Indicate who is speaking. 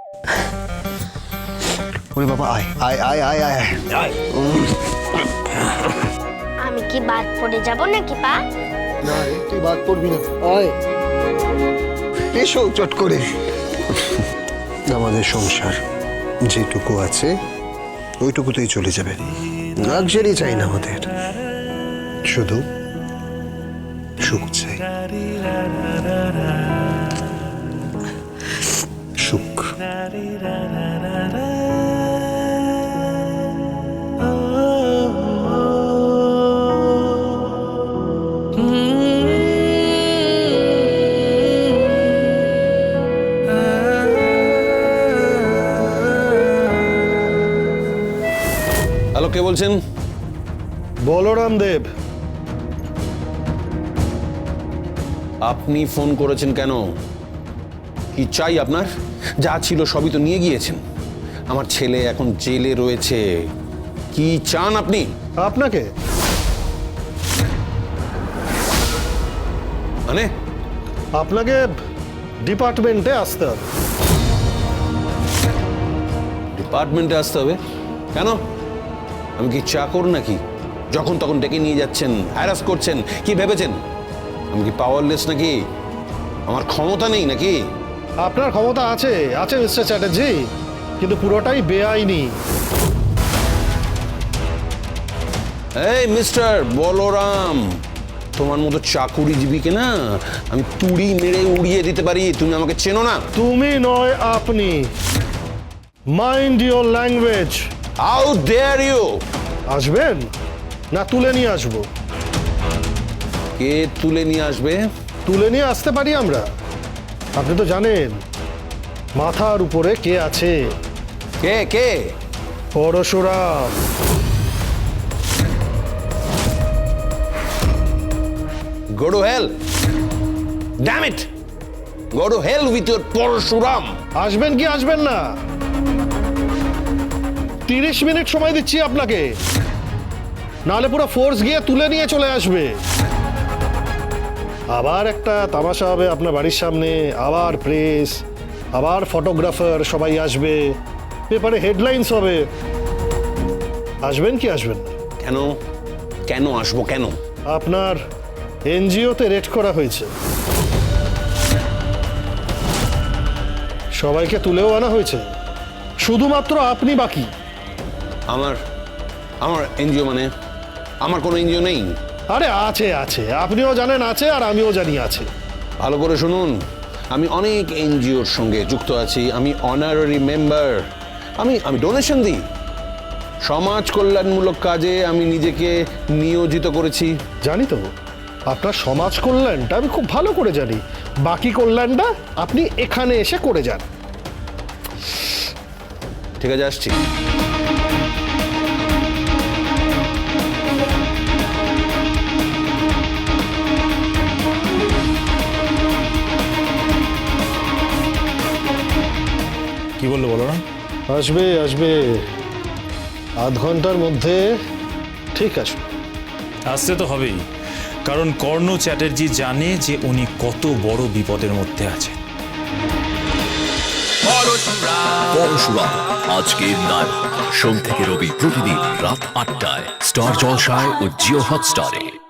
Speaker 1: ওরে বাবা, আয় আয় আয় আয় আয় আয়।
Speaker 2: আমি কি বাদ পড়ে যাব নাকি পা?
Speaker 1: না রে, তুই বাদ পড়বি না, আয়। এসো চট করে। আমাদের সংসার যেটুকু আছে ওইটুকুতেই চলে যাবে, লাক্সারি চাই না আমাদের, শুধু সুখ চাই। সুখ।
Speaker 3: হ্যালো, কে বলছেন?
Speaker 4: বলরাম দেব।
Speaker 3: আপনি ফোন করেছেন কেন? কি চাই আপনার? যা ছিল সবই তো নিয়ে গিয়েছেন। আমার ছেলে এখন জেলে রয়েছে। কি চান আপনি?
Speaker 4: আপনাকে?
Speaker 3: মানে
Speaker 4: আপনাকে ডিপার্টমেন্টে আসতে হবে।
Speaker 3: ডিপার্টমেন্টে আসতে হবে? কেন? আমি কি চাকর নাকি? যখন তখন ডেকে নিয়ে যাচ্ছেন, হ্যারাস করছেন। কি ভেবেছেন আমি কি পাওয়ারলেস নাকি? আমার ক্ষমতা নেই নাকি?
Speaker 4: আপনার ক্ষমতা আছে, আছে মিস্টার চ্যাটার্জি, কিন্তু পুরোটাই বেআইনি।
Speaker 3: এই মিস্টার বলরাম, তোমার মতো চাকুরিজীবীকে না আমি তুড়ি মেরে উড়িয়ে দিতে পারি। তুমি আমাকে চেনো না।
Speaker 4: তুমি নয়, আপনি। Mind your language.
Speaker 3: How dare you!
Speaker 4: আসবেন না তুলে নিয়ে আসবো?
Speaker 3: কে তুলে নিয়ে আসবে?
Speaker 4: তুলে নিয়ে আসতে পারি আমরা। আপনি তো জানেন মাথার উপরে কে আছে।
Speaker 3: কে কে?
Speaker 4: Parashuram.
Speaker 3: Go to hell! Damn it! Go to hell with your Parashuram!
Speaker 4: আসবেন কি আসবেন না? 30 মিনিট সময় দিচ্ছি আপনাকে, নাহলে পুরো ফোর্স গিয়ে তুলে নিয়ে চলে আসবে। আবার একটা তামাশা হবে আপনার বাড়ির সামনে, আবার প্রেস, আবার ফটোগ্রাফার, সবাই আসবে, পেপারে হেডলাইন্স হবে। আসবেন কি আসবেন না?
Speaker 3: কেন? কেন আসবো কেন?
Speaker 4: আপনার এনজিওতে রেড করা হয়েছে, সবাইকে তুলেও আনা হয়েছে, শুধুমাত্র আপনি বাকি।
Speaker 3: আমার আমার এনজিও মানে? আমার কোনো এনজিও নেই।
Speaker 4: আরে আছে আছে, আপনিও জানেন আছে, আর আমিও জানি আছে।
Speaker 3: ভালো করে শুনুন, আমি অনেক এনজিওর সঙ্গে যুক্ত আছি। আমি অনারারি মেম্বার। আমি ডোনেশন দিই। সমাজ কল্যাণমূলক কাজে আমি নিজেকে নিয়োজিত করেছি।
Speaker 4: জানি তো, আপনার সমাজ কল্যাণটা আমি খুব ভালো করে জানি। বাকি কল্যাণটা আপনি এখানে এসে করে যান।
Speaker 3: ঠিক আছে, আসছি।
Speaker 5: কি বললো বলো না?
Speaker 4: আসবে আসবে, আধ ঘন্টার মধ্যে ঠিক আসবে।
Speaker 5: আসতে তো হবেই, কারণ কর্ণ চ্যাটার্জি জানে যে উনি কত বড় বিপদের মধ্যে আছে।
Speaker 6: পরশুরাম আজকের নায়ক, সোম থেকে রবি প্রতিদিন রাত ৮টায় স্টার জলসায় ও জিও হটস্টারে।